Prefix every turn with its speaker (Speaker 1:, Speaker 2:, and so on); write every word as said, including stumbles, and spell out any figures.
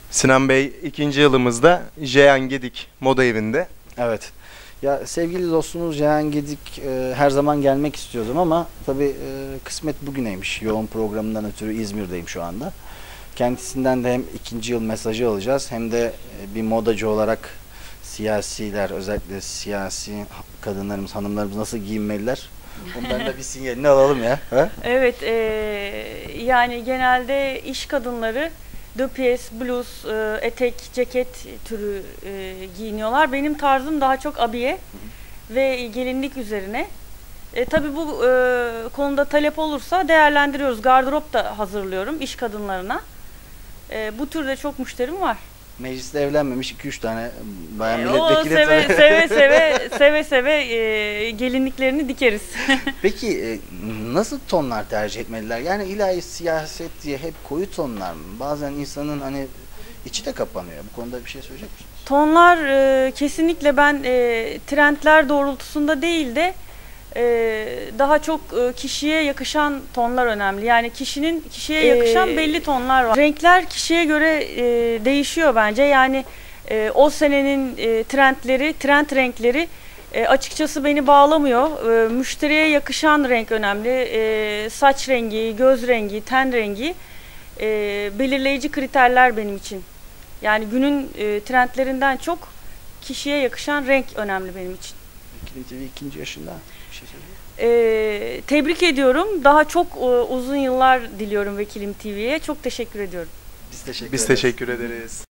Speaker 1: Sinan Bey ikinci yılımızda Jeyan Gedik Moda Evi'nde.
Speaker 2: Evet. Ya sevgili dostumuz Jeyan Gedik e, her zaman gelmek istiyordum ama tabii e, kısmet bugüneymiş. Yoğun programından ötürü İzmir'deyim şu anda. Kendisinden de hem ikinci yıl mesajı alacağız hem de e, bir modacı olarak siyasiler, özellikle siyasi kadınlarımız, hanımlarımız nasıl giyinmeliler? Ondan da bir sinyalini alalım ya. Ha?
Speaker 3: Evet, e, yani genelde iş kadınları döpiyes, bluz, e, etek, ceket türü e, giyiniyorlar. Benim tarzım daha çok abiye hı hı. ve gelinlik üzerine. E, tabii bu e, konuda talep olursa değerlendiriyoruz. Gardırop da hazırlıyorum iş kadınlarına. E, bu türde çok müşterim var.
Speaker 2: Mecliste evlenmemiş iki üç tane bayan
Speaker 3: E,
Speaker 2: milletvekili.
Speaker 3: seve, seve seve seve seve e, gelinliklerini dikeriz.
Speaker 2: Peki e, nasıl tonlar tercih etmeliler? Yani ilahi siyaset diye hep koyu tonlar mı? Bazen insanın hani içi de kapanıyor. Bu konuda bir şey söyleyecek misiniz?
Speaker 3: Tonlar e, kesinlikle ben e, trendler doğrultusunda değil de e, daha çok e, kişiye yakışan tonlar önemli. Yani kişinin kişiye yakışan
Speaker 2: Ee,
Speaker 3: belli tonlar var. Renkler kişiye göre e, değişiyor bence. Yani e, o senenin e, trendleri, trend renkleri e, açıkçası beni bağlamıyor. E, müşteriye yakışan renk önemli. E, saç rengi, göz rengi, ten rengi e, belirleyici kriterler benim için. Yani günün e, trendlerinden çok kişiye yakışan renk önemli benim için.
Speaker 2: Vekilim T V ikinci yaşında bir şey söyleyeyim.
Speaker 3: E, tebrik ediyorum. Daha çok e, uzun yıllar diliyorum Vekilim T V'ye. Çok teşekkür ediyorum.
Speaker 2: Biz teşekkür
Speaker 1: Biz
Speaker 2: ederiz.
Speaker 1: teşekkür ederiz.